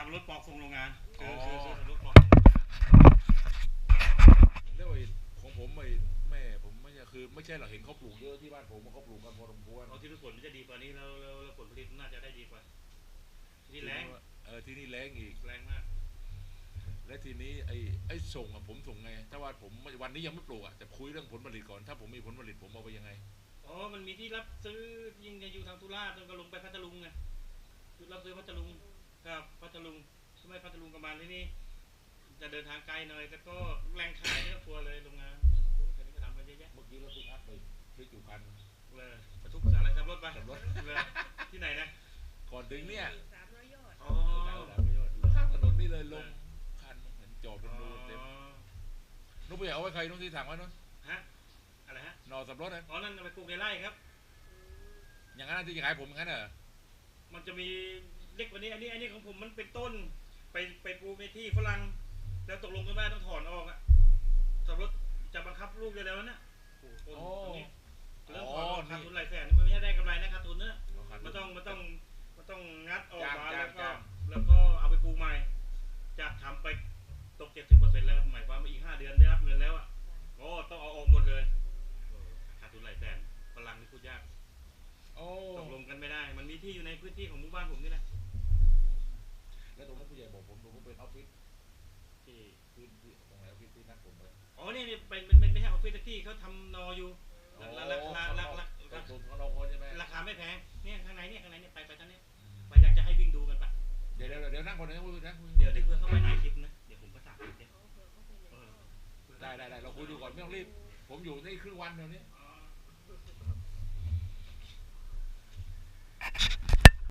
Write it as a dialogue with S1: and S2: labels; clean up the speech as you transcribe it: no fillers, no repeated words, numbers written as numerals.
S1: ทำรถปอกส่งโรงงาน
S2: อ๋อ
S1: คือรถปอก
S2: แล้วไอ้ของผมไอ้แม่ผมไม่ใช่คือไม่ใช่หรอกเห็นเขาปลูกเยอะที่บ้านผมเขาปลูกกันพอสมควร
S1: เอาที่ผลมันจะดีกว่านี้แล้วผลผลิตน่าจะได้ดีกว่าที่แรง
S2: ที่นี่แรงอีก
S1: แรงมาก
S2: และทีนี้ไอ้ส่งอะผมส่งไงถ้าว่าผมวันนี้ยังไม่ปลูกอะแต่คุยเรื่องผลผลิตก่อนถ้าผมมีผลผลิตผมเอาไปยังไง
S1: อ๋อมันมีที่รับซื้อยิ่งจะอยู่ทางสุราษฎร์ก็ลงไปพัทลุงไงจุดรับซื้อพัทลุงครับพัทลุงใช่ไหมพัทลุงประมาณที่นี่จะเดินทางไกลหน่อยแต่ก็แรงขายเนี่ยครัวเลยโรงงานแค่นี้ก็ทำกันเยอะแยะ
S2: เมื่อกี้รถปิกอัพไปพลิกอยู่คัน
S1: เลยบรรทุกอะไรทำรถไป
S2: ขับรถ
S1: เลยที่ไหนนะ
S2: ก่อนถึงเนี่ย
S1: อ๋อ
S2: ข้างถนนนี่เลยลงคันเห็นจอดเป็นรูเต็มนุ๊กไปเอาไว้ใครนุ๊กที่ถังไว้นุ๊ก
S1: ฮะอะไรฮะ
S2: นอสับรถนะ
S1: อ๋อนั่นไปปลูกในไร่ครับ
S2: อย่างนั้นที่จะขายผมงั้นเหรอ
S1: มันจะมีเล็กกว่านี้อันนี้ของผมมันเป็นต้นไปปลูกในที่ฝรั่งแล้วตกลงกันว่าต้องถอนออกอะสับรถจะบังคับลูกได้แล้วนะต้นตรงนี้เริ่มถอนออกขาดทุนหลายแสนมันไม่ได้กำไรนะขาดทุนเนอะมันต้องงัดออกมาแล้วก็เอาไปปลูกใหม่จากทำไปตก 70%แล้วหมายความว่าอีก5 เดือนได้รับเงินแล้วอ่ะก็ต้องเอาออกหมดเลยขาดทุนหลายแสนฝรั่งนี่พูดยากตกลงกันไม่ได้มันมีที่อยู่ในพื้นที่ของหมู่บ้านผมนี่แหละ
S2: แล้วตรงนั้นผู้ใหญ่บอกผมเป็นออฟฟิศ
S1: ที่
S2: พื้นที่ตรงไหนออฟฟิศที่นัดผมไป
S1: อ๋อนี่เป็นไม่ใช่ออฟฟิศที่เขาทำนออยู่ราคาไม่แพงเนี่ยข้างในเนี่ยไปท่านนี้ไปอยากจะให้วิ่งดูกันปะ
S2: เดี๋ยวนั่งบนนั้นคุยนะ
S1: เดี๋ยวเพื่อเข้าไปในคลิปนะเดี๋ยวผมประสาน
S2: ได้เราคุยดูก่อนไม่ต้องรีบผมอยู่นี่ครึ่งวันเดี๋ยวนี้